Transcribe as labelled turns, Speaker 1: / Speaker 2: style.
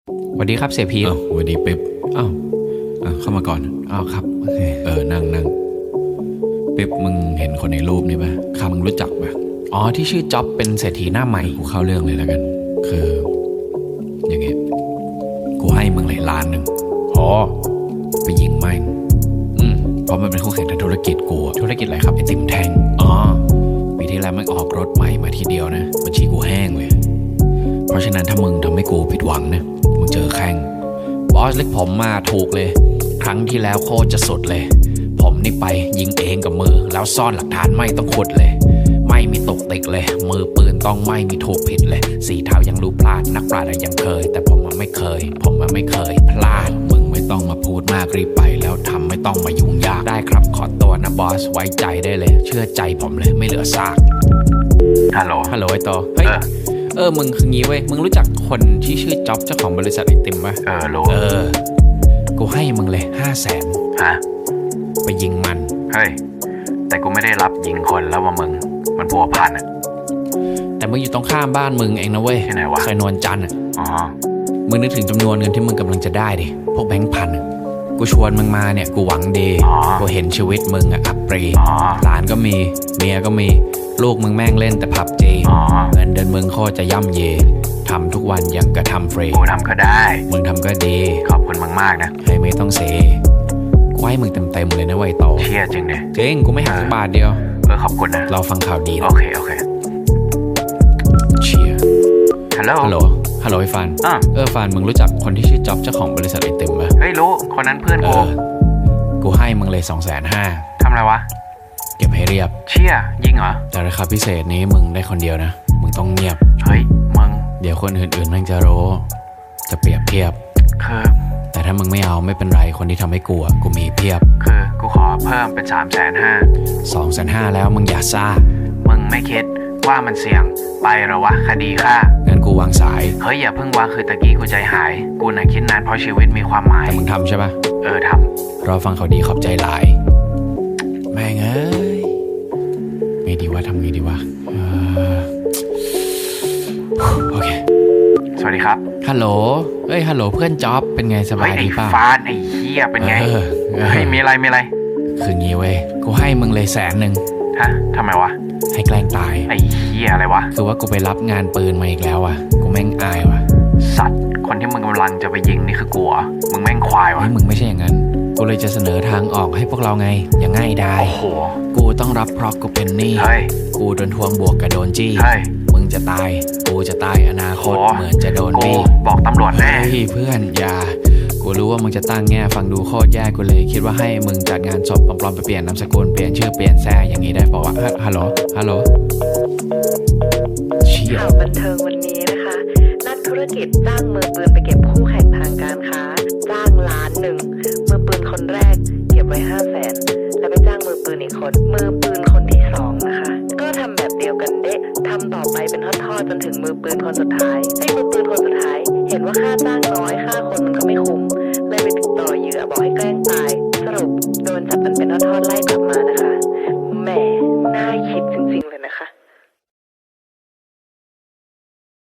Speaker 1: สวัสดีครับเสียพีท
Speaker 2: สวัสดีเป๊ป
Speaker 1: อ้าว
Speaker 2: เข้ามาก่อน
Speaker 1: อ้าวครับโอเค
Speaker 2: นั่งเป๊ปมึงเห็นคนในรูปนี่ปะข้ามึงรู้จักปะ
Speaker 1: อ๋อที่ชื่อจ๊อบเป็นเศรษฐีหน้าใหม่
Speaker 2: กูเข้าเรื่องเลยแล้วกัน คืออย่างเงี้ยกูให้มึงเลย1,000,000
Speaker 1: อ๋อ
Speaker 2: ไปยิงแม่งเพราะมันเป็นคู่แข่งทางธุรกิจกู
Speaker 1: ธุรกิจอะไรครับ
Speaker 2: ไอติมแท่งปีที่แล้วมันออกรถใหม่มาทีเดียวนะบัญชีกูแห้งเลยเพราะฉะนั้นถ้ามึงทำให้กูผิดหวังนะมึงเจอแข่ง
Speaker 1: บอสเล็กผมมาถูกเลยครั้งที่แล้วโคตรจะสุดเลยผมนี่ไปยิงเองกับมือแล้วซ่อนหลักฐานไม่ต้องขุดเลยไม่มีตกติกเลยมือปืนต้องไม่มีถูกผิดเลยสีเท้ายังรู้พลาดนักปราชญ์ยังเคยแต่ผมมันไม่เคยพลาด
Speaker 2: มึงไม่ต้องมาพูดมากรีบไปแล้วทำไม่ต้องมายุ่งยาก
Speaker 1: ได้ครับขอตัวนะบอสไว้ใจได้เลยเชื่อใจผมเลยไม่เหลือซาก
Speaker 2: ฮัลโหล
Speaker 1: ไอ้โตเฮ้ยมึงคืองี้เว้ยมึงรู้จักคนที่ชื่อจ๊อบเจ้าของบริษัทไอติมปะ
Speaker 2: รู้
Speaker 1: กูให้มึงเลย500,000
Speaker 2: ฮะ
Speaker 1: ไปยิงมัน
Speaker 2: เฮ้ยแต่กูไม่ได้รับยิงคนแล้วว่ามึงมันพัวพัน
Speaker 1: แต่มึงอยู่ตรงข้ามบ้านมึงเองนะเว้ย
Speaker 2: ที่ไหนวะ
Speaker 1: ซอยนวลจันทร์มึงนึกถึงจำนวนเงินที่มึงกำลังจะได้ดิพวกแบงค์พันกูชวนมึงมาเนี่ยกูหวังดีกูเห็นชีวิตมึงอับปรีหลานก็มีเมียก็มีลูกมึงแม่งเล่นแต่ผับจีเงินเดือนมึงโคตรจะย่ำเยทำทุกวันยังกระทำฟรี
Speaker 2: กูทำก็ได้
Speaker 1: มึงทำก็ดี
Speaker 2: ขอบคุณมึงมากนะ
Speaker 1: ให้ไม่ต้องเสียกูให้มึงเต็มเลยนะไวโต
Speaker 2: เชี่ยจริงดิ
Speaker 1: จริงกูไม่หักบาทเดียว
Speaker 2: ขอบคุณนะ
Speaker 1: เราฟังข่าวดี
Speaker 2: โอเค
Speaker 1: เชียร์
Speaker 2: ฮัลโห
Speaker 1: ลไอ้ฟานฟานมึงรู้จักคนที่ชื่อจ๊อบเจ้าของบริษัทไอติมปะ
Speaker 2: เฮ้ยรู้คนนั้นเพื่อน
Speaker 1: กูให้มึงเลย250,000
Speaker 2: ทำอะไรวะ
Speaker 1: เก็บให้เรียบ
Speaker 2: เชี่ยยิงเหรอ
Speaker 1: แต่ราคาพิเศษนี้มึงได้คนเดียวนะมึงต้องเงียบ
Speaker 2: เฮ้ยมึง
Speaker 1: เดี๋ยวคนอื่นๆแม่งจะรู้จะเปรียบเทียบแต่ถ้ามึงไม่เอาไม่เป็นไรคนที่ทำให้กูมีเพียบ
Speaker 2: คือกูขอเพิ่มเป็น
Speaker 1: 250,000แล้วมึงอย่าซ่า
Speaker 2: มึงไม่คิดว่ามันเสี่ยงไปหรอวะคดีฆ่า
Speaker 1: งั้นกูวางสาย
Speaker 2: เฮ้ยอย่าเพิ่งวางคือตะกี้กูใจหายกูน่ะคิดนานเพราะชีวิตมีความหมาย
Speaker 1: แต่มึงทำใช่ปะ
Speaker 2: ท
Speaker 1: ำรอฟังเขาดีขอบใจหลายแม่งเอ้ยไม่ดีว่าทำไงดีวะโอเค
Speaker 2: สวัสดีครับ
Speaker 1: ฮัลโหลเพื่อนจ๊อบเป็นไงสบายดีป่ะ
Speaker 2: ฟานไอ้เหี้ยเป็นไงเฮ้ยมีอะไร
Speaker 1: คืองี้เว้ยกูให้มึงเลย100,000
Speaker 2: ฮะทำไมวะ
Speaker 1: ให้แกล้งตาย
Speaker 2: ไอ้เหี้ยอะไรวะ
Speaker 1: คือว่ากูไปรับงานปืนมาอีกแล้วอ่ะกูแม่งอายว่ะ
Speaker 2: สัตว์คนที่มึงกำลังจะไปยิงนี่คือกูเหรอมึงแม่งควายวะ
Speaker 1: มึงไม่ใช่อย่างนั้นกูเลยจะเสนอทางออกให้พวกเราไงอย่างง่ายดาย
Speaker 2: โอ้โห
Speaker 1: กูต้องรับเพราะกูเป็นหนี้กูโดนทวงบวกกับโดนจี้มึงจะตายกูจะตายอนาคตเหมือนจะโดนบี้
Speaker 2: บอกตำรวจแน่
Speaker 1: เพื่อนอย่ากูรู้ว่ามึงจะตั้งแง่ฟังดูโคตรแย่กูเลยคิดว่าให้มึงจัดงานศพปลอมๆไปเปลี่ยนนามสกุลเปลี่ยนชื่อเปลี่ยนแซ่อย่างนี้ได้ป่าวะฮัลโหล
Speaker 3: ข่าวบันเทิงวันนี้นะคะนักธุรกิจจ้างมือปืนไปเก็บคู่แข่งทางการค้าจ้าง1,000,000มือปืนคนแรกเก็บไว้500,000แล้วไปจ้างมือปืนอีกคนมือ